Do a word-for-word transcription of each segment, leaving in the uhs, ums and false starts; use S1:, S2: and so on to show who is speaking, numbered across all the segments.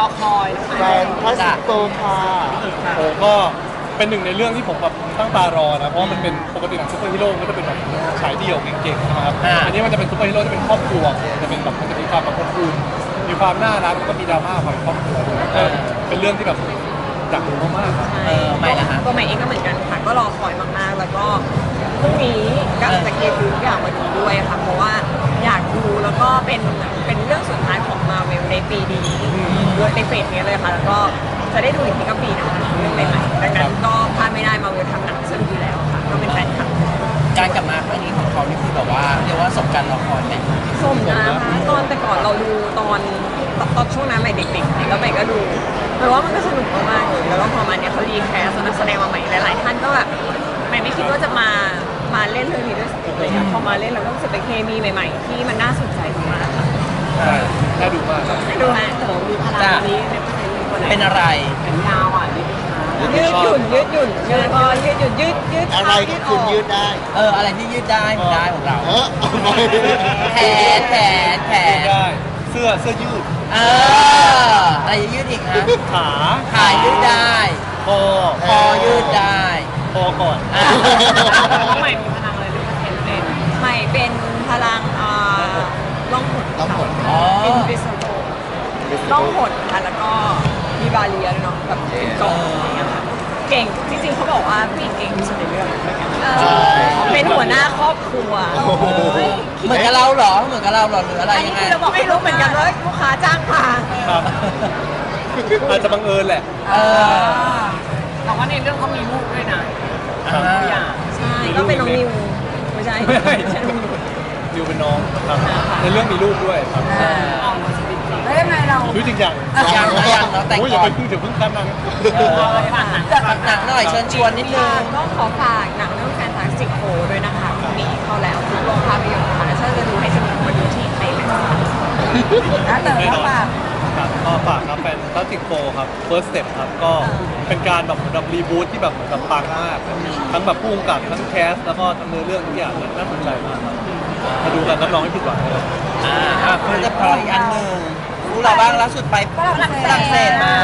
S1: คอย
S2: แฟนพระสิงโตค่ะ
S3: โอ้ก็เป็นหนึ่งในเรื่องที่ผมแบบตั้งตารอนะเพราะมันเป็นปกติหนังซูเปอร์ฮีโร่ก็จะเป็นแบบฉายเดี่ยวเก่งๆนะครับอันนี้มันจะเป็นซูเปอร์ฮีโร่ที่เป็นครอบครัวจะเป็นแบบมันจะมีความแบบอบอุ่นมีความน่ารักแล้วก็มีดราม่าความครอบครัวเป็นเรื่องที่แบบอยากดูมากๆครับ
S1: เออไม่ละตัวใหม่เองก็เหมือนกันค่ะก็รอคอยมากๆแล้วก็พรุ่งนี้ก็จะเก็บทุกอย่างมาดูด้วยค่ะเพราะว่าอยากดูแล้วก็เป็นเป็นเรื่องสุดท้ายของมาเวลในปีนี้ด้วยในเฟสนี้เลยค่ะแล้วก็จะได้ดูอีกทีก็ปีหน้าเรื่องใหม่ๆดังนั้นก็พลาดไม่ได้มาเวลทำหนังสนุกอยู่แล้วค่ะก็เป็นแฟนคลับ
S4: การกลับมาครั้งนี้ของเขานี่คือแบบว่าเรียกว่าสมการรอคอยไหม
S1: สมนะคะตอนแต่ก่อนเราดูตอนตอนช่วงนั้นใหม่เด็กๆแล้วใหม่ก็ดูหมายว่ามันก็สนุกมากๆเลยแล้วก็พอมาเนี่ยเขารีแคสนักแสดงมาใหม่หลายๆท่านก็แบบใหม่ไม่คิดว่าจะมามาเล่นเรื่องนี้ด้วยซ้ำเลยพอมาเล่นเราก็รู้สึกเป็นเคมีใหม่ๆที่มันน่าสนใจมากค่ะ
S3: ใช่น่าดูมากครับ
S1: ดูฮะแต่ว่ามีพลังนี้
S4: เป็นอะไร
S1: เป็นยาวอ่ะยืดหยุ่นยืดหยุ่นยืดพอยืดหยุ่นยืดยืด
S2: อะไรก็คุณยืดได้
S4: เอออะไรที่ยืดได้ได้ของเราแขนแขนแขน
S3: ได้เสื้อเสื้อยืด
S4: เอออะไรยืดอีกนะ
S3: ขา
S4: ขายืดได้
S3: คอ
S4: คอยืดได้
S3: คอก่อน
S1: ใหม่มีพลังอะไรหรือว่าเป็นเป็นใหม่เป็นพลังอ่าล่องหน
S2: ล่องหน
S4: อ๋อ
S1: เป็นบิสโตล่องหนค่ะแล้วก็มีบาเรียเนาะแบบเกาะอะไรเงี้ยค่ะเก่งจริงๆเขาบอกว่าผู้หญิงเก่งที่สุดในเรื่องเป็นหัวหน้าครอบครัว
S4: เหมือนกับเราเหรอเหมือนกับเราเหรอหรืออะไร
S1: ยังไงเราบอกไม่รู้เหมือนกันว่าลูกค้าจ้างมา
S3: อาจจะบังเอิญแหละ
S1: แต่ว่าในเรื่องเขามีลูกด้วยนะใช่ก็เป็นน้องนิวไม่ใช่ไม่ใช่
S3: นิวเป็นน้องครับในเรื่องมีลูกด้วยครับ
S1: แล้วยังไงเรา
S3: รู้จริงอย่าง
S4: ยังยังเราแต่งก่อน
S3: อย่าไปพึ่งเดี๋ยวพึ่งกันนะ
S4: หนังหน่อยเชิญชวนนิดนึง
S1: ก็ขอฝากหนังเรื่องแฟนตาสติกโฟด้วยนะคะพรุ่งนี้เข้าแล้วทุกโรงภาพยนตร์ค่ะถ้าจะดูให้สนุกมาดูที่ไทยเลยค่ะแล้วเติมก็ฝาก
S3: ครับก็ฝากครับแฟนตาสติกโฟครับ first step ครับก็เป็นการแบบแบบรีบูทที่แบบแบบปังมากทั้งแบบผู้กำกับทั้งแคสแล้วก็ทั้งเนื้อเรื่องทุกอย่างน่าสนใจมากครับมาดูกันรับรองไม่ผิดหวังเลย
S4: อ่าเพื่อจะพออีกอันหนึ่งรู้เราบ้างล่าสุดไปฝรั่งเศสมา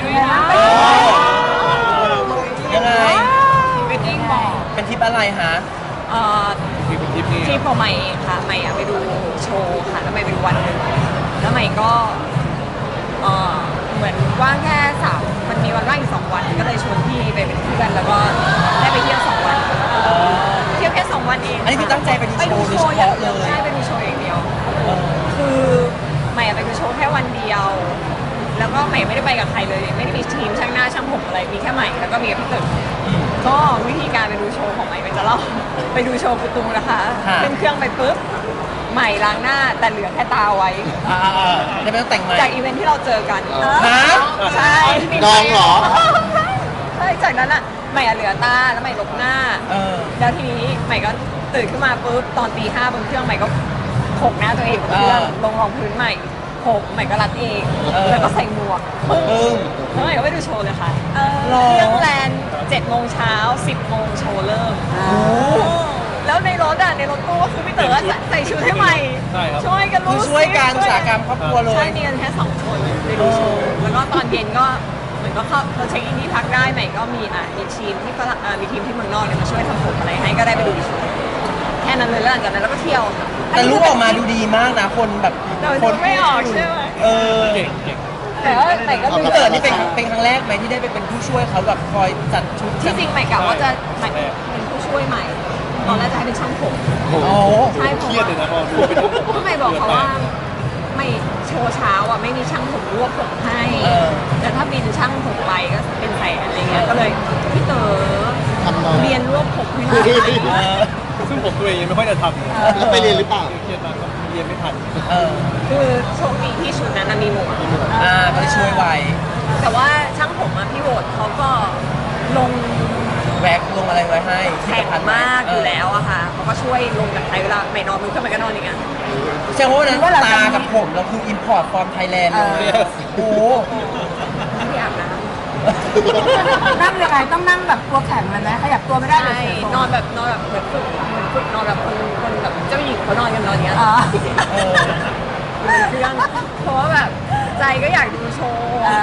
S4: ยังไง
S1: เป็นยิ่งบอก
S4: เป็นทริปอะไรฮะ
S1: เอ่อ
S3: ทริปนี้
S1: ที่พอใหม่ค่ะใหม่ไปดูโชว์ค่ะแล้วใหม่ไปดูวันหนึ่งแล้วใหม่ก็เอ่อเหมือนว่างแค่สามมันมีวันว่างอีกสองวันก็เลยชวนพี่ไปเป็นเพื่อนแล้วก็ได้ไปเที่ยวสองวันเที่ยวแค่สองวันเอง
S4: อันนี้คือตั้งใจไปดูโชว์โดยเฉพาะเลย
S1: ใช่ไปดูโชว์อย่างเดียวคือใหม่ไปดูโชว์แค่วันเดียวแล้วก็ใหม่ไม่ได้ไปกับใครเลยไม่ได้มีทีมช่างหน้าช่างผมอะไรมีแค่ใหม่แล้วก็มีกับพี่ตึกก็วิธีการไปดูโชว์ของใหม่เป็นจะเล่าไปดูโชว์กุตุงนะคะขึ้นเครื่องไปปุ๊บใหม่ล้างหน้าแต่เหลือแค่ตาไว้
S4: อ่าจะไม่ต้องแต่งใหม่
S1: จากอีเวนท์ที่เราเจอกัน
S4: ฮะ
S1: ใช่
S2: น้องเหรอ
S1: ใช่จากนั้นอ่ะใหม่เหลือตาแล้วใหม่ลบหน้าแล้วทีนี้ใหม่ก็ตื่นขึ้นมาปุ๊บตอนตีห้าบนเครื่องใหม่ก็โขกหน้าตัวเองบนเครื่องลงรองพื้นใหม่โขกใหม่ก็รัดเองแล้วก็ใส่หมวกปึ้งแล้วใหม่ก็ไปดูโชว์เลยค่ะเครื่องแลนเจ็ดโมงเช้าสิบโมงโชว์เริ่มแล้วในรถอ่ะในรถตู้ก็คือพี่เต๋อใส่ชุดให้ใหม่ช่วยกันรู้
S4: ช่วยการอุตสาหกรรมครอบครัวเลย
S1: ใช่มีกันแค่สองคนไปดูโชว์แล้วก็ตอนเย็นก็เหมือนก็เข้าเราเช็คอินที่พักได้ใหม่ก็มีอ่ะมีทีมที่ฝรั่งมีทีมที่เมืองนอกเนี่ยมาช่วยทำผมอะไรให้ก็ได้ไปดูโชว์แค่นั้นเลยแล้วหลังจากนั้นเราก็เที่ยว
S4: แต่รูปออกมาดูดีมากนะคนแบบ
S1: คนไม่ออกใช่ไหม
S4: เออ
S3: เก่งเก่ง
S1: แต่ว่าใหม่ก็
S4: พี่เต๋อนี่เป็นเป็นครั้งแรกไหมที่ได้ไปเป็นผู้ช่วยเขาแบบคอยจัดชุด
S1: ที่จริงใหม่กะว่าจะเป็นผู้ช่วยใหม่ตอนแรกจะให้เป็นช่างผม
S4: โอ้
S1: ใช่
S3: เครียดเลยนะพอดูไปดู
S1: ทำไมบอกเขาว่าไม่โชว์เช้าอ่ะไม่มีช่างผมรวบผมให้แต่ถ้าบินช่างผมไปก็เป็นแสนอะไรเงี้ยก็เลยพี่เต๋อเรียนรวบผมให้หน่อย
S3: ซึ่งผมตัวเองยังไม่ค่อยจะทำ
S2: แล้วไปเรียนหรือเปล่า
S3: เครียดมากเรียนไม่ทัน
S1: คือโชคดีที่ชุดนั้นมีหมวก
S4: อ่าก็ช่วยไว
S1: แต่ว่าช่างผมอ่ะพี่โหวตเขาก็ลง
S4: แวกลงอะไรไว้ให้
S1: แข็งมากอยู่แล้วอะค่ะเขาก็ช่วยลงจากไทยเวลาไม่นอนมือขึ้นไปก็นอนอย่างเงี้ย
S4: แสดงว่านั้นตากับผมเราคืออิมพอร์ตฟอร์มไทยแลนด์เลยโอ้
S1: ไม่อาบน้
S5: ำนั่งยังไงต้องนั่งแบบตัวแข็งเลยไหมขยับตัวไม่ได้เลย
S1: นอนแบบนอนแบบเหมือนฝึกเหมือนฝึกนอนแบบคนคนแบบเจ้าหญิงเขานอนกันนอนอย่างเงี้ยเครื่องเพราะว่าแบบใจก็อยากดูโชว์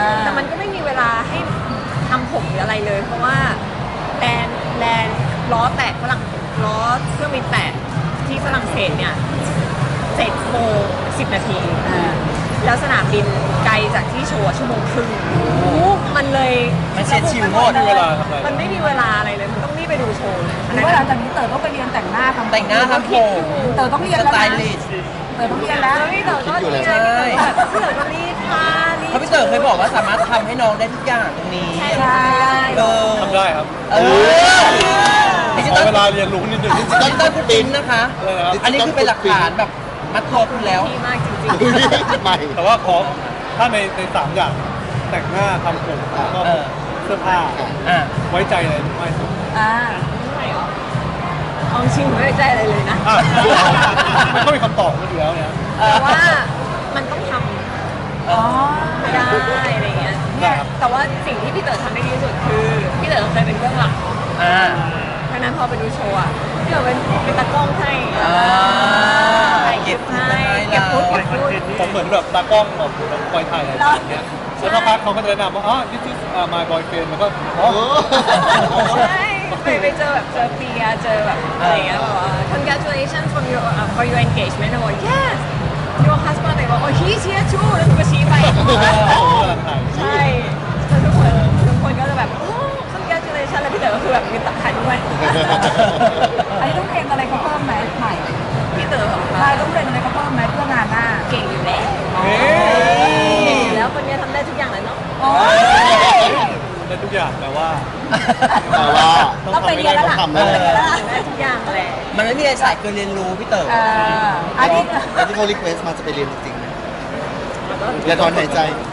S1: อะไรเลย เพราะว่าแลนแลนล้อแตกฝรั่งล้อเครื่องบินแตกที่ฝรั่งเศสเนี่ยเจ็ดโมงสิบนาทีแล้วสนามบินไกลจากที่โชว์ชั่วโมงครึ่งมันเลย
S4: มันเสียชิวโหด
S3: ไม่มีเวลาทำอะไร
S1: มันไม่มีเวลาอะไรเลยมันต้องรีบไปดูโชว์เลย
S5: หรือว่าหลังจากนี้เต๋อต้องไปเรียนแต่งหน้าทำ
S4: แต่งหน้าทำผม
S5: เต๋อต้องเรียน
S4: ส
S5: แล้ว
S4: ไต
S5: นะ
S4: ลิสต์
S5: เต๋อต้องเรียนแล้ว
S1: แล้วพี่เต๋อก็
S2: คิดอยู่
S1: นี่
S2: แล้ว
S1: ไงพี่เต๋อแบบพี่เต๋อก็รีดผ้ารีด
S4: เพราะพี่เต๋อเคยบอกว่าสามารถทำให้น้องได้ทุกอย่างตรงนี้
S1: ใช่
S4: เออ
S3: ทำได้ครับ
S4: เออดิจิ
S3: ข
S4: ต
S3: อ
S4: อล
S3: เวลาเรียนรู้นิดนึง
S4: ดิจิตอลฟุตปรินท์นะคะ
S3: อะไรนะครับ
S4: อันนี้คือเป็นหลักฐานแบบมัดตัวคุณแล้ว
S1: ดีมากจริง
S2: ใหม่
S3: แต่ว่าขอถ้าในในสามอย่างแต่งหน้าทำผมแล้วก็
S4: เออ
S3: เสื้อผ้า
S4: อ่ะ
S3: ไว้ใจอะไรไม่สุด
S5: อ่า
S1: ๆไม่หรอเอาจริงๆไม่ได้ใจอะไรเลยนะ
S3: อ่ะมันก็มีคำตอบอยู่แล้วเนี่ย
S1: แต่ว่ามันต้องทำ
S5: อ๋อ
S1: ไม่ได้อะไรเงี้ยเนี่ยแต่ว่าสิ่งที่พี่เต๋อทำได้ดีที่สุดคือพี่เต๋อเคยเป็นเบื้องหลัง
S4: อ่า
S1: เพราะฉะนั้นพอไปดูโชว์อ่ะพี่เต๋อเป็นเป็นตากล้องให้
S4: อ่า
S1: ถ่ายคลิปให้เก็บพูดเก็บพูด
S3: ผมเหมือนแบบตากล้องแบบคอยถ่ายอะไรอย่างเงี้ยแล้วสักพักเขาก็จะแนะนำว่าอ๋อ this is uh, my boyfriend แล้วก็อ๋อ
S1: ใช่ไปไปเจอแบบเจอเปียเจอแบบอะไรเงี้ยแบบว่า congratulations from your uh, for your engagement แล้วบอก yes your husband เลยบอก oh he's here too แล้วหนูก็ชี้ไป
S3: ผมกำลังถ่าย
S1: ใช่แล้วทุกคนทุกคนก็จะแบบโอ้ congratulations แล้วพี่เต๋อก็คือแบบมีตักขันด้วย
S5: อันนี้ต้องเรียนอะไรเขาเพิ่มไหมใหม่
S1: พี่เต๋อเหรอ
S5: ใช่
S1: คะ
S5: ต้องเรียนอะไรเขาเพิ่มไหมเพื่องานหน้า
S1: เก่งอยู่แล้ว
S3: เฮ้
S1: เก่ง
S3: ย
S1: อยู่แล้วคนนี้ทำได้ทุกอย่างเลยเนาะ
S5: โอ้ย
S3: ได้ทุกอย่างแต่ว่า
S2: แต่ว่า
S1: ต้องไปเรียนแล้วล่ะ
S2: ต้อง
S1: ต้องไป
S2: ทำ
S1: เรียน
S2: แล้
S1: แล้ว
S2: ว
S1: ล่ะได้ทุกอย่างแหละ
S4: มันไม่มีอะไรสายเกินเรียนรู้พี่เต๋อ
S5: เอ่ออันนี้
S2: แล้วที่เขารีเควสมาจะไปเรียนจริงๆนะอย่าถอนหายใจ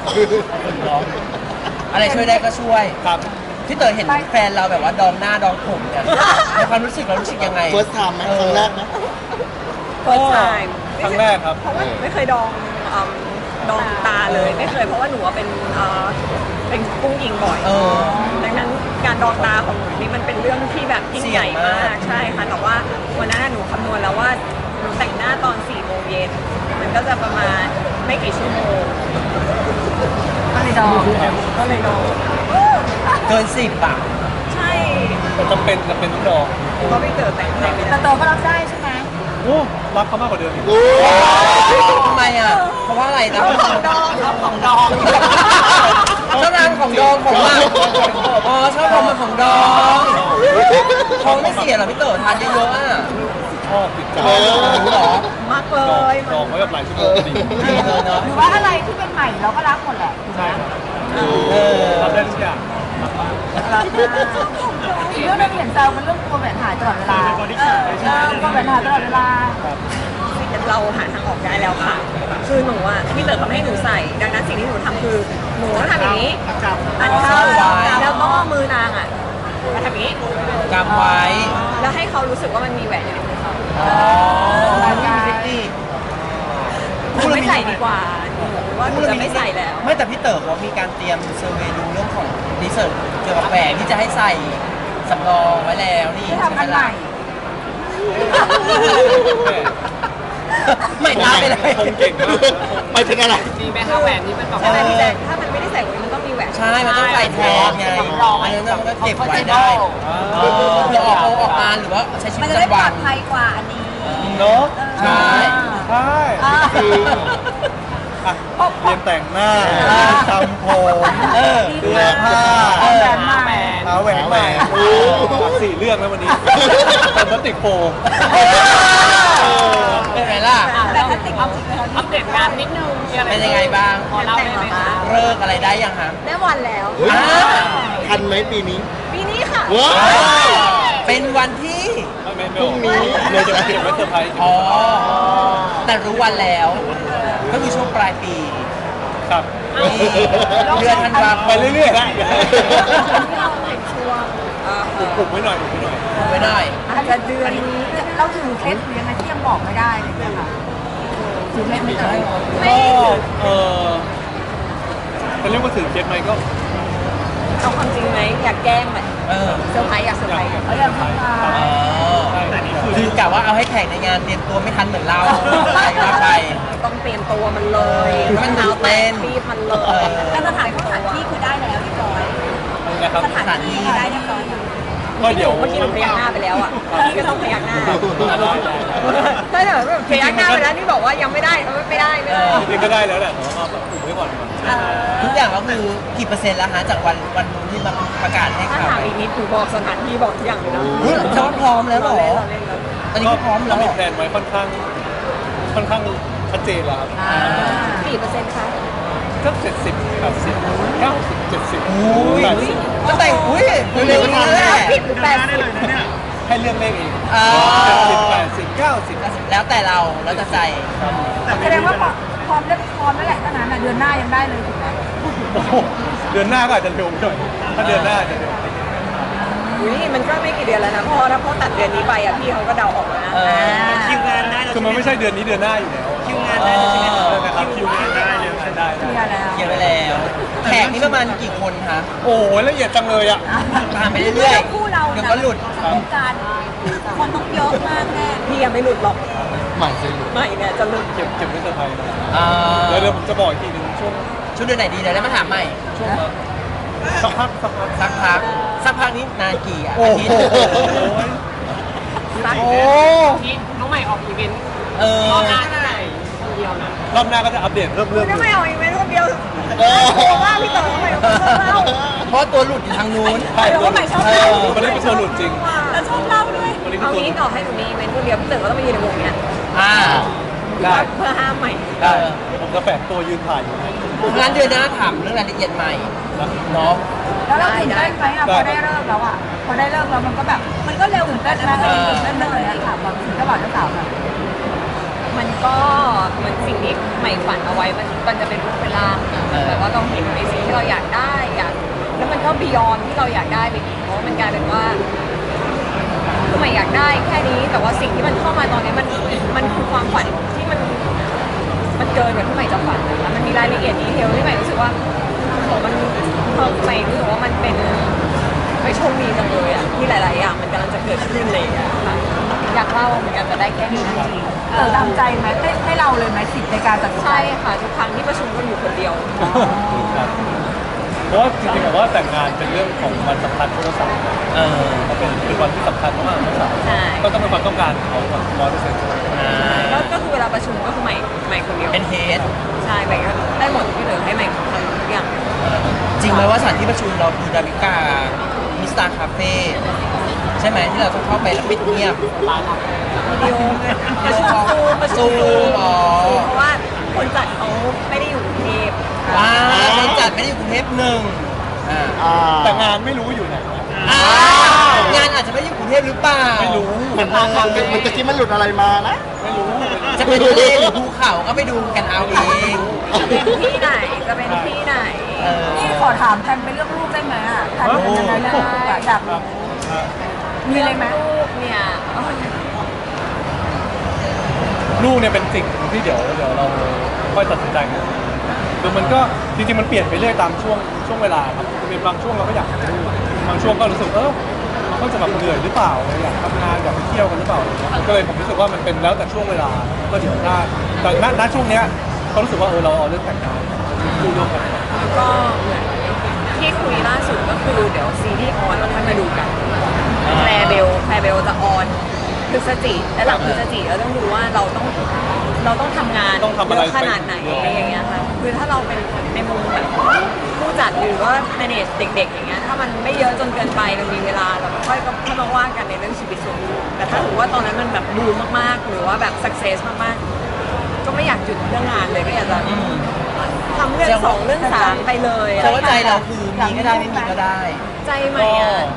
S4: อะไรช่วยได้ก็ช่วย
S3: ครับ
S4: พี่เต๋อเห็นแฟนเราแบบว่าดองหน้าดองผมเนี่ยในความรู้สึกเรารู้สึกยังไง
S2: first time ไหมครั้งแรกไหม
S1: first time
S3: ครั้งแรกครับ
S1: เพราะว่าหนูไม่เคยดองอืมดองตาเลยไม่เคยเพราะว่าหนูว่าเป็นเอ่อเป็นกุ้งยิงบ่อย
S4: เออ
S1: ดังนั้นการดองตาของหนูนี่มันเป็นเรื่องที่แบบยิ่งใหญ่มากใช่ค่ะแต่ว่าวันนั้นน่ะหนูคำนวณแล้วว่าหนูแต่งหน้าตอนสี่โมงเย็นมันก็จะประมาณไม่กี่ชั่วโมง
S5: ก็เลยดอง
S1: ก็เลยดอง
S4: เกินสิบอ่ะ
S1: ใช่
S3: แต่จำเป็นจำเป็นต้องดอง
S1: เพราะพี่เต๋อแต่งให้ไม่
S5: แต่
S1: ได้
S5: เต๋อก็รับได้ใช่ไหม
S3: โอ้รักเขามากกว่าเดิมอีก
S2: โอ้
S4: ทำไมอ่ะ เพราะว่าอะไรนะ
S1: ของดองเอาของดอง
S4: ชอบทานของดองของหมักอ๋อชอบของหมักของดองท้องไม่เสียเหรอพี่เต๋อทานเยอะๆอ่ะ
S3: ชอบติดใจ
S2: เออ
S4: หรอ
S1: มากเล
S3: ดอง
S1: ย
S3: ดองไว้แบบหลายชั่วโมงดี
S4: ดีเลยเนาะ
S5: หรือว่าอะไรที่เป็นใหม่เราก็รับหมดแหละถูกไหม
S3: ใช่ครับ
S4: เออ
S3: ทำได้ทุกอย่าง
S5: รับได้อีกเรื่องหนึงเห็นแซวเป็นเรื่องกลัวแหวนหายตลอดเวลาเออเออกลัวแหวนหายตลอดเวลา
S1: เราหาทางออกได้แล้วค่ะ คือหนูอ่ะพี่เต๋อเขาไม่ให้หนูใส่ ดังนั้นสิ่งที่หนูทำคือหนูต้องทำอย่างนี้อันเข้าแล้วก็มือนางอ่ะมาทำอย่างนี้
S4: กำไว้
S1: แล้วให้เขารู้สึกว่ามันมีแหวนอยู่ในมือเขา
S4: อ๋อมีเทคนิค
S1: หนูไม่ใส่ดีกว่าหนูว่าหนูจะไม่ใส่แล้ว
S4: ไม่แต่พี่เต๋อเขามีการเตรียมเซอร์เวย์ดูเรื่องของรีเสิร์ชเกี่ยวกับแหวนที่จะให้ใส่สำรองไว้แล้วนี่
S5: ที่ทำอันใหม่
S4: ไม่ตามไปเลย
S3: คงเก่งมาก
S2: ไปถึงอะไร
S1: มีไหมคะแหวนที่มันแบบใช่ไหมพี่แจ๊คถ้ามันไม่ได้ใส่ไว้มันต้องมีแหวน
S4: ใช่ มันต้องใส่แทนไงอันนั้นมันก็เก็บไว้ได้เออเพื่อออกออกงานหรือว่าใช้ชีวิ
S5: มัน
S4: ต
S5: จะ
S4: ประ
S5: ได้ปล
S4: จำวั
S5: อน ดภัยกว่าอันนี้
S3: เนาะ
S4: ใช่
S3: ใช่อ่ะเรียนแต่งหน้าทำผม
S4: เออ
S3: เสื้อผ้า
S5: แหวนใหม่
S3: หาแหวนใหม่โอ้สี่เรื่องแล้ววันนี้เป็นพลาสติกโฟม
S4: เป็นไงล่ะ
S5: แต่ถ้าติดเอาจริงเลย
S1: อัปเดตงานนิดนึง
S4: เป็นยังไงบ้าง
S1: ขอเล่าได้ไหมคะ
S4: เลิกอะไรได้ยังฮะ
S1: ได้วันแล้ว
S2: เฮ้ย
S4: อ่า
S2: ทันไหมปีนี้
S1: ปีนี้ค่ะ
S2: ว้าว
S4: เป็นวันที่
S3: ไม่ไม่ไม่เลยจะเก็บไว้เซอร์ไพรส์
S4: อ๋อ แต่รู้วันแล้ว ก็คือช่วงปลายปี
S3: ครับ
S4: นี่เดือนธันวาค
S3: ไป
S4: ม
S3: เรื่อยๆนะ
S1: ช่วง
S3: ปลุกไว้หน่อยปลุกไว้หน่อย
S4: ไว้หน่อย
S5: อาจจะเดือนนี้เราถือเคล็ดหรือยังไงที่ยังบอกไม่ได้เลยนะคะถือเคล็ดไม่เจอ
S3: ก็เออจะเรียกว่าถือเคสไหมก็
S1: เอาความจริงไหมอยากแกล้งไหม
S4: เออ
S1: เซอร์ไพรส์อยากเซอร์ไพรส์
S5: เขาอยากทำงาน
S4: อ๋อคือกะว่าเอาให้แข่งในงานเตรียมตัวไม่ทันเหมือนเราอะไรว่าไป
S1: ต้องเตรียมตัวมันเลย
S4: มัน
S1: หนาว
S4: ตื่นเต้
S1: แต
S4: น
S1: กรีบมันเลย
S4: เออ
S5: แต่สถานที่สถานที่คือได้แล้วเรียบร้อย
S3: อะไรนะครับ
S5: สถานที่ได้เรียบร้อยแล้ว
S3: ก็เดี๋ยว
S1: เมื่อกี้หนูพยักหน้าไปแล้วอ่ะพี่ก็ต้องพยักหน้าใช่เหรอแบบพยักหน้าไปแล้วนี่บอกว่ายังไม่ได้เออไม่ได้ไม่ได้
S3: จริงๆก็ได้แล้วแหละแต่ว่าก็อุบไว้ก่อน
S4: ทุกอย่างก็คือกี่เปอร์เซ็นต์แล้วฮะจากวันวันนู้นที่มาประกาศให้
S1: ถ้า
S4: ข่าว
S1: ถามอีกนิดหนูบอกสถานที่บอกทุกอย่างเลยนะ
S4: เฮ้ยจะว่าพร้อมแล้วเหรอ
S1: เราเล่นเราเล่น
S4: ตอนนี้ก็พร้อมแล้ว
S3: มีแผนไว้ค่อนข้างค่อนข้างชัดเจนแล้วครับ
S1: กี่เปอร์เซ็นต์คะ
S3: ก็เจ็ดสิบแปดสิบเก้าสิบเจ็ดสิบ
S4: อุ้ย
S3: แปดสิบ
S4: ก็แต่งอุ้ยเร็วๆนี้แหละ
S1: ผิดหรือแปดสิบ
S3: ให้เลือกเลขเอง
S4: อ่า
S3: เจ็ดสิบแปดสิบเก้าสิบ
S4: แล้วแต่เราแล้วแต่ใจ
S5: แสดงว่าพร้อมได้พร้อมแล้วแหละถ้านั้นเดือนหน้ายังได้เลยถูกไหม
S3: โอ้โหเดือนหน้าก็อาจจะเร็วหน่อยถ้าเดือนหน้าอาจจะเร็ว
S1: อุ้ยมันก็ไม่กี่เดือนแล้วนะเพราะถ้าพ่อตัดเดือนนี้ไปอ่ะพี่เขาก็เดาออกแล้วนะ
S4: เออ
S6: คิวงานได้
S3: คือมันไม่ใช่เดือนนี้เดือนหน้าอยู่แล้ว
S6: คิวงานได้แล้วใช่ไหม
S3: เออนะครับคิวงานได้เลยงานได้
S5: เคลียร์แล้ว
S4: เคลียร์ไปแล้วแขกนี่ประมาณกี่คนคะ
S3: โอ้โหละเอียดจังเลยอ่ะ
S4: ตามไปเรื่อย
S5: คู่เรา
S4: ๆเดี๋ยวก็หลุด
S5: วงการคนต้องเยอะมากแน่
S1: พี่ยังไม่หลุดหรอก
S2: ใหม่สิลูก
S1: ไม่เนี่ยจะหลุด
S3: เก็บเก็บไว้เซอร์ไพรส์นะ
S4: อ่า
S3: เดี๋ยวเดี๋ยวผมจะบอกอีกทีหนึงช่วง
S4: ชุดเดือนไหนดีเดี๋ยวได้มาถามใหม่
S3: ช่วงสักพักสักพัก
S4: สักพักสักพักนี้นานกี่อ่ะ
S3: โอ้
S4: อา
S3: โห
S4: ทิตย์
S1: รัก
S4: โอ้
S1: ที่น้องใหม่ออกอีเวนต์
S4: เออ
S1: รอบหน้าเท่าไหร่คนเดียวนะ
S3: รอบหน้าก็จะอัปเดตเริ่ม
S1: คุ
S3: เริ่
S1: ณ
S3: ม
S1: น้องใหม่ออกอีเวนต์คนเดียว
S3: โอ้
S1: โอ้ว่าพี่เต๋อน้องใหม่ออกคนเดียว
S4: เพราะตัวหลุดอยู่ทางนู้น
S3: ใช่
S1: เดี๋ยวว่าใหม่ชอบ
S4: เอ
S1: เล่า
S4: อ
S3: วันนี้เป็นตัวหลุดจริง
S1: แล้วชอบเล่าด้วย
S3: วันนี้เป็น
S1: เอา
S3: ตัวห
S1: งี้
S3: ลุด
S1: ต่อให้หนูมีอีเวนต์คนเดียวพี่เต๋อก็ต้องมายืนในวงเนี้ย
S4: อ่า
S3: ได้
S1: เพื่อห้ามใหม่
S3: ได้ผมจะแฝงตัวยืนถ่ายอยู่
S4: งั้นเดือนหน้าถามเรื่องรายละเอียดใหม่เนาะ
S5: แล้วเราตื่นเต้นไหมอ่ะพอได้เริ่มแล้วอ่ะพอได้เริ่มแล้วมันก็แบบมันก็เร็วตื่นเต้นนะเออตื่นเต้นเลยอ่ะถามความรู้สึกเจ้าบ่าวเจ้าสาวหน่อย
S1: มันก็เหมือนสิ่งที่ใหม่ฝันเอาไว้มันมันจะเป็นรูปเป็นร่างอะแบบว่าเราเห็นในสิ่งที่เราอยากได้อยากแล้วมันก็บียอนที่เราอยากได้ไปอีกเพราะมันกลายเป็นว่าคือใหม่อยากได้แค่นี้แต่ว่าสิ่งที่มันเข้ามาตอนนี้มันมันคือความฝันที่มันมันเกินกว่าที่ใหม่จะฝันนะคะมันมีรายละเอียดดีเทลที่ใหม่รู้สึกว่าโหมันเพิ่มใหม่รู้สึกว่ามันเป็นไม่โชคดีจังเลยอะที่หลาย ๆ อย่างมันกำลังจะเกิดขึ้นเลยอะค่ะอยากเล่าเหมือนกันแต่ได้แค่นี้จริงๆ
S5: เออตามใจไหมให้ให้เราเลยไหมสิทธิ์ในการตัดสินใจ
S1: ใช่ค่ะทุกครั้งที่ประชุมก็อยู่คนเดียว
S3: ครับเพราะว่าจริงๆผมว่าแต่งงานเป็นเรื่องของวันสำคัญของเจ้าสาว
S4: เออ
S3: มันเป็นเป็นวันที่สำคัญมากๆของเจ้าสาว
S1: ใช่
S3: ก็ต้องเป็นความต้องการของเขาแบบร้อยเปอร์เซ็นต์
S4: อ่า
S1: ก็ก็คือเวลาประชุมก็คือใหม่ใหม่คนเดียว
S4: เป็นเฮด
S1: ใช่ใหม่ก็ได้หมดที่เหลือให้ใหม่ทำทุกอย่าง
S4: จริงไหมว่าสถานที่ประชุมเราคือดาวิกามิสตาคาเฟ่ใช่ไหมที่เราต้องเข้าไปแล้วปิดเงียบ
S1: วิดีโอประชุมซูมประชุม
S4: ซู
S1: ซู
S4: ม
S1: ม
S4: อ๋อ
S1: เพราะว่าคนจัดเขาไม่ได้อยู่กรุงเทพ
S4: อ่าคนจัดไม่ได้อยู่กรุงเทพหนึ่งอ่า
S2: อ่า
S3: แต่งานไม่รู้อยู่ไหน
S4: อ่างานอาจจะไม่ได้อยู่กรุงเทพหรือเปล่า
S3: ไม่รู้
S2: เหมือนมันมันมันตะกี้มันหลุดอะไรมานะ
S3: ไม่รู้
S4: จะเป็นทะเลหรือภูเขาก็ไปดูกันเอาเอง
S1: จะเป็นที่ไหนจะเป็นที่ไหน
S4: เออ
S5: นี่ขอถามแทนไปเรื่องรูปได้ไหมอ่ะแทนเป็นยังไงเรื่องรูปอะอยากรู้มีเลยไหม
S1: ลูกเนี่ย
S3: ลูกเนี่ยเป็นสิ่งที่เดี๋ยวเดี๋ยวเราค่อยตัดสินใจกันคือมันก็จริงๆมันเปลี่ยนไปเรื่อยตามช่วงช่วงเวลาครับเป็นบางช่วงเราก็อยากมีลูกบางช่วงก็รู้สึกเออมันก็จะแบบเหนื่อยหรือเปล่าอยากทำงานอยากไปเที่ยวกันหรือเปล่าก็เลยผมรู้สึกว่ามันเป็นแล้วแต่ช่วงเวลาก็เดี๋ยวถ้าแต่ณณช่วงเนี้ยเขารู้สึกว่าเออเราเอาเรื่องแต่งงานคู่ร่วมกัน
S1: ก็เหมือนที่คุยล่าสุดก็คือเดี๋ยวซีรีส์ออนเราค่อยมาดูกันแคลเบลแคลเบลจะออนพฤศจิและหลังพฤศจิเราต้องดูว่าเราต้องเราต้องทำงาน
S3: ต้องทำอะไร
S1: เยอะขนาดไหนอะไรอย่างเงี้ยค่ะคือถ้าเราเป็นในมุมแบบผู้จัดหรือว่า manage เด็ก ๆ อย่างเงี้ยถ้ามันไม่เยอะจนเกินไปมันมีเวลาเราก็ค่อยก็ค่อยมาว่ากันในเรื่องชีวิตส่วนตัวแต่ถ้าถือว่าตอนนั้นมันแบบบูมมากๆ หรือว่าแบบ success มากๆ ก็ไม่อยากหยุดเรื่องงานเลยก็อยากจะทำเรื่องสองเรื่องสามไปเลย
S4: เพราะว่าใจเราคือมีก็ได้ไม่มีก็ได้
S1: ใจใหม่อ่ะ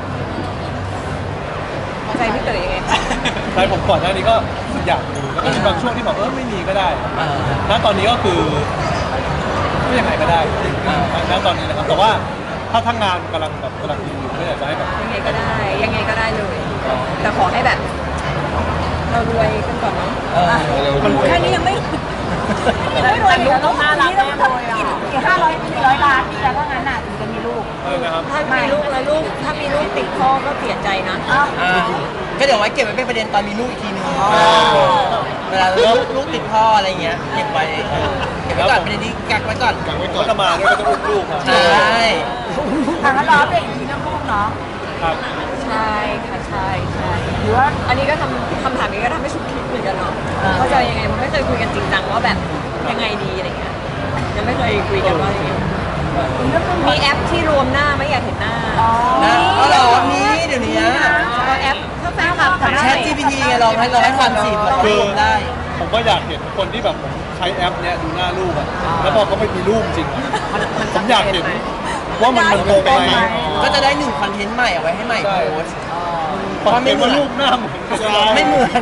S1: ใจพี่เต๋อยังไงคะ
S3: ใช่ผมก่อนหน้านี้ก็อยากมีแล้วก็มีบางช่วงที่แบบเออไม่มีก็ได้
S4: อ่า
S3: ณตอนนี้ก็คือก็ยังไงก็ได้ณตอนนี้นะครับแต่ว่าถ้าทั้งงานกำลังแบบกำลังดีอยู่ก็อยากจะให้แบบ
S1: ยังไงก็ได้ ยังไงก็ได้เลย แต่ขอให้แบบ เรารวยกันก่อนเนาะ
S4: เออ
S2: มัน
S5: แค่นี้ยังไม่ยังไม่รวยเลยต้องห้าล้านแน่เลยอ่ะกี่ห้าร้อยกี่ร้อยล้านนี่แล้วก็งั้นน่ะถึงจะมีลูก
S3: เออนะครับ
S1: ถ้ามีลูกแล้วลูก ถ้ามีลูกติดพ่อก็เสียใจนะ
S5: อ้าว
S4: อ้าวก็เดี๋ยวไว้เก็บไว้เป็นประเด็นตอนมีลูกอีกทีนึงเวลาลูกลูกติดพ่ออะไรเงี้ยเก็บไว้เก็บไว้ก่อนประเด็นนี้กักไว้ก่อน
S3: กังไว้ก่อนก็จะมาด้วยก็จะอุ้มลูกครับ
S4: ใช่
S5: ทางนั้นรอเด็กอีกทีน้องลูกเนาะ
S3: ครับ
S1: ใช่ค่ะใช่ใช่
S5: หรือว่า
S1: อันนี้ก็ทำคำถามนี้ก็ทำให้ชุดคิดเหมือนกันเนาะเขาจะยังไงมันไม่เคยคุยกันจริงจังว่าแบบยังไงดีอะไรเงี้ยยังไม่เคยคุยกันว่าอย่างเงี้ยมีแอปที่รวมหน้าไม่อยากเห็นหน้า
S4: นะก็รอมีเดี๋ยวนี้
S1: เอาแอปถ้าแฟนคลับ
S4: แชท จี พี ที ไงลองให้ลองให้ความสิมันรวมได้
S3: ผมก็อยากเห็นคนที่แบบผมใช้แอปเนี้ยดูหน้าลูกอะแล้วพอเขาไม่มีลูกจริงอะผมอยากเห็นว่ามันมันเป็นยังไง
S4: ก็จะได้หนึ่งคอนเทนต์ใหม่เอาไว้ให้ใหม่โพสต์
S3: เพราะไม่ว่าลูกหน้าเหมือนกัน
S4: ไม่เหมือน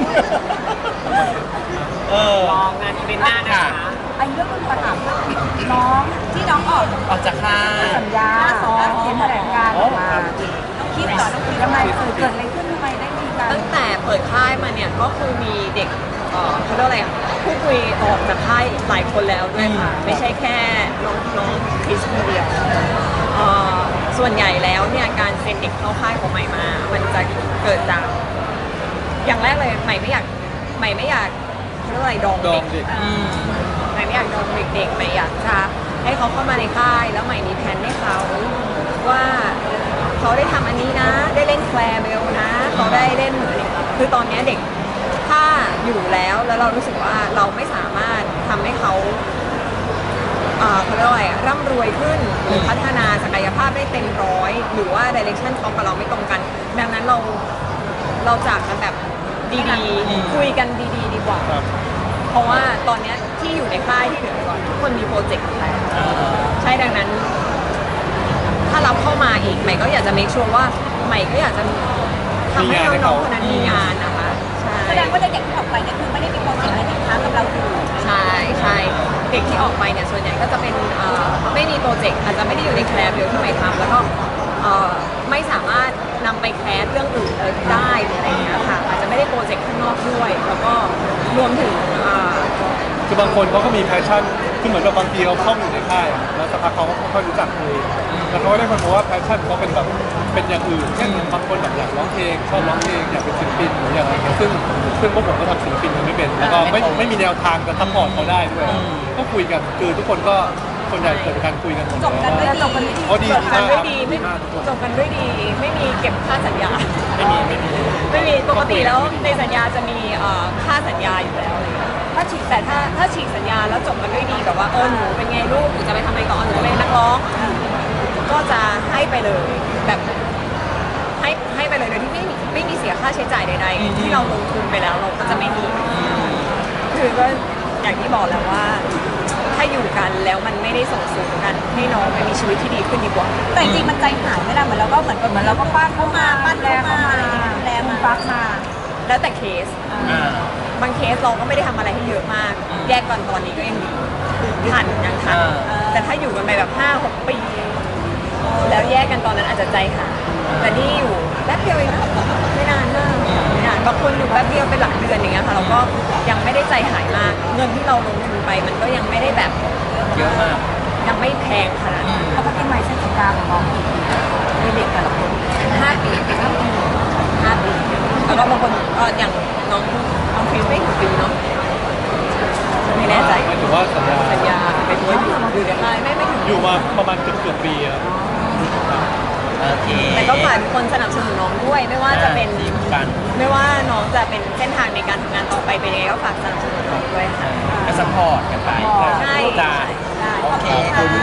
S4: เออ
S1: ลองงานอีเวนต์หน้านะคะ
S5: ไอ้เรื่องคุณถามน้องที่น้องออก
S4: ออกจากค่าย
S5: สัญญาสองเขียนแถลงการออกมาต้องคิดต่อต้องคิดทำไมเกิดอะไรขึ้นทำไมได้มีการ
S1: ตั้งแต่เปิดค่ายมาเนี่ยก็คือมีเด็กเอ่อเขาเรียกอะไรอะผู้คุยออกจากค่ายหลายคนแล้วด้วยค่ะไม่ใช่แค่น้องน้องคริสคนเดียวเอ่อส่วนใหญ่แล้วเนี่ยการเซ็นเด็กเข้าค่ายของใหม่มา มันจะเกิดจากอย่างแรกเลยใหม่ไม่อยากใหม่ไม่อยากเขาเรียกอะไรดอง
S3: ดอ
S1: เด็
S3: ง
S1: ก
S3: เด็ก
S1: ใหม่ไม่อยากดองเด็กๆใหม่อยากจะให้เขาเข้ามาในค่ายแล้วใหม่มีแผนให้เขาว่าเขาได้ทำอันนี้นะ ได้เล่นแคลร์เบลนะเขาได้เล่นคือตอนเนี้ยเด็กถ้าอยู่แล้วแล้วเรารู้สึกว่าเราไม่สามารถทำให้เขาเอ่อเขาเรียกว่าอะไรอะร่ำรวยขึ้นหรือพัฒนาศักยภาพได้เต็มร้อยหรือว่าดิเรกชันเขากับเราไม่ตรงกัน ดังนั้นเราเราจากกันแบบดีๆคุยกันดีๆ ดีกว่า
S3: ครับ
S1: เพราะว่าตอนเนี้ยที่อยู่ในค่ายที่เหลือก่อนทุกคนมีโปรเจกต์แล้วใช่ดังนั้น ถ้ารับเข้ามาอีกใหม่ก็อยากจะ make sure ว่าใหม่ก็อยากจะทำให้น้องๆคนนั้นมีงานนะคะใช่
S5: แสดงว่าเด็กที่ออกไปเนี่ยคือไม่ได้มีความเสี่ยงอะไรติดค้างกับเราอยู่
S1: ใช่ใช่เด็กที่ออกไปเนี่ยส่วนใหญ่ก็จะเป็นเอ่อไม่มีโปรเจกต์อาจจะไม่ได้อยู่ในแคลร์เดียวที่ใหม่ทำแล้วก็เอ่อไม่สามารถนำไปแคสเรื่องอื่นเลยได้หรืออะไรอย่างเงี้ยค่ะอาจจะไม่ได้โปรเจกต์ข้างนอกด้วย แล้วก็รวมถึงเอ่อ
S3: คือบางคนเขาก็มีแพชชั่นคือเหมือนกับบางทีเราเข้าอยู่ในค่ายอะแล้วสักพักเขาก็ค่อยรู้จักคุยแล้วเขาก็ได้คนพบว่าแพชชั่นเขาเป็นแบบเป็นอย่างอื่นเช่นบางคนแบบอยากร้องเพลงชอบร้องเพลงอยากเป็นศิลปินหรืออย่างไรเงี้ยซึ่งซึ่งพวกผมก็ทำศิลปินกันไม่เป็นแล้วก็ไม่ไม่มีแนวทางจะซัพพอร์ตเขาได้ด้วยก็คุยกันคือทุกคนก็ส่วนใหญ่เกิดการคุยกันหมด
S5: จบกันด้วย
S1: จ
S5: จ
S1: บบ กั
S5: กัน น
S1: ด้วย
S5: ด้วย
S1: ดี
S3: เขาดี
S1: จบกันด้วยดี
S3: ดี
S1: ไม่
S3: มากทุกคน
S1: จบกันด้วยดี ไม่มีเก็บค่าสัญญา
S3: ไม่มีไม่มี
S1: ไม่มีปกติแล้วในสัญญาจะมีเอ่อค่าสัญญาอยู่แล้วอะไรเงี้ยถ้าฉีกแต่ถ้าถ้าฉีกสัญญาแล้วจบกันด้วยดีแบบว่าเออหนูเป็นไงลูกหนูจะไปทำอะไรต่อหนูจะเป็นนักร้องก็จะให้ไปเลยแบบให้ให้ไปเลยโดยที่ไม่มีไม่มีเสียค่าใช้จ่ายใดๆที่เราลงทุนไปแล้วเราก็จะไม่มีคือก็อย่างที่บอกแล้วว่า ถ้าอยู่กันแล้วมันไม่ได้ส่งเสริมกันให้น้องไปมีชีวิตที่ดีขึ้นดีกว่า
S5: แต่จริงๆมันใจหายไม่ได้เหมือนเราก็เหมือนเหมือนเราก็ปั้นเข้ามาปั้นแรงเข้ามาแรงมันฟักมา
S1: แล้วแต่เคส บางเคสเราก็ไม่ได้ทำอะไรให้เยอะมาก แยกก่อนตอนนี้ก็ยังดีทันยังทัน
S4: อ่า
S1: แต่ถ้าอยู่กันไปแบบห้าหกปี แล้วแยกกันตอนนั้นอาจจะใจหายแต่นี่อยู่แป๊บเดียวเองนะไม่นานมากไม่นานบางคนอยู่แป๊บเดียวเป็นหลักเดือนอย่างเงี้ยค่ะเราก็ยังไม่ได้ใจหายมาก เงินที่เราลงทุนไปมันก็ยังไม่ได้แบบ
S4: เยอะมาก
S1: ยังไม่แพงขนาดนั้น
S5: เขาก็กินไม้เส้นสัญญาของน้องมีเด็กแต่ละคน
S1: ห้าปีห้าปีห้าปีแล้วก็บางคนก็อย่างน้องน้องคริสไม่ถึงปีเนาะไม่แน่ใจ
S3: หมายถึงว่าสัญญา
S1: สัญญาเป็นว่าอยู่อยู่ในค่ายไม่ไม่ถึง
S3: อยู่มาประมาณเกือบเกือบปีอะ
S4: โอเค
S1: แต่ก็ฝากทุกคนสนับสนุนน้องด้วย ไม่ว่าจะเป็น
S4: ดีเหมือนกัน
S1: ไม่ว่าน้องจะเป็นเส้นทางในการทำงานต่อไปเป็นยังไงก็ฝากสนับสนุนน้องด้วยค่ะ
S4: ก็ซัพพอร์ตกันไป
S1: ใช่
S4: จ้า
S1: ใช่
S4: โอเค
S1: ขอบคุณ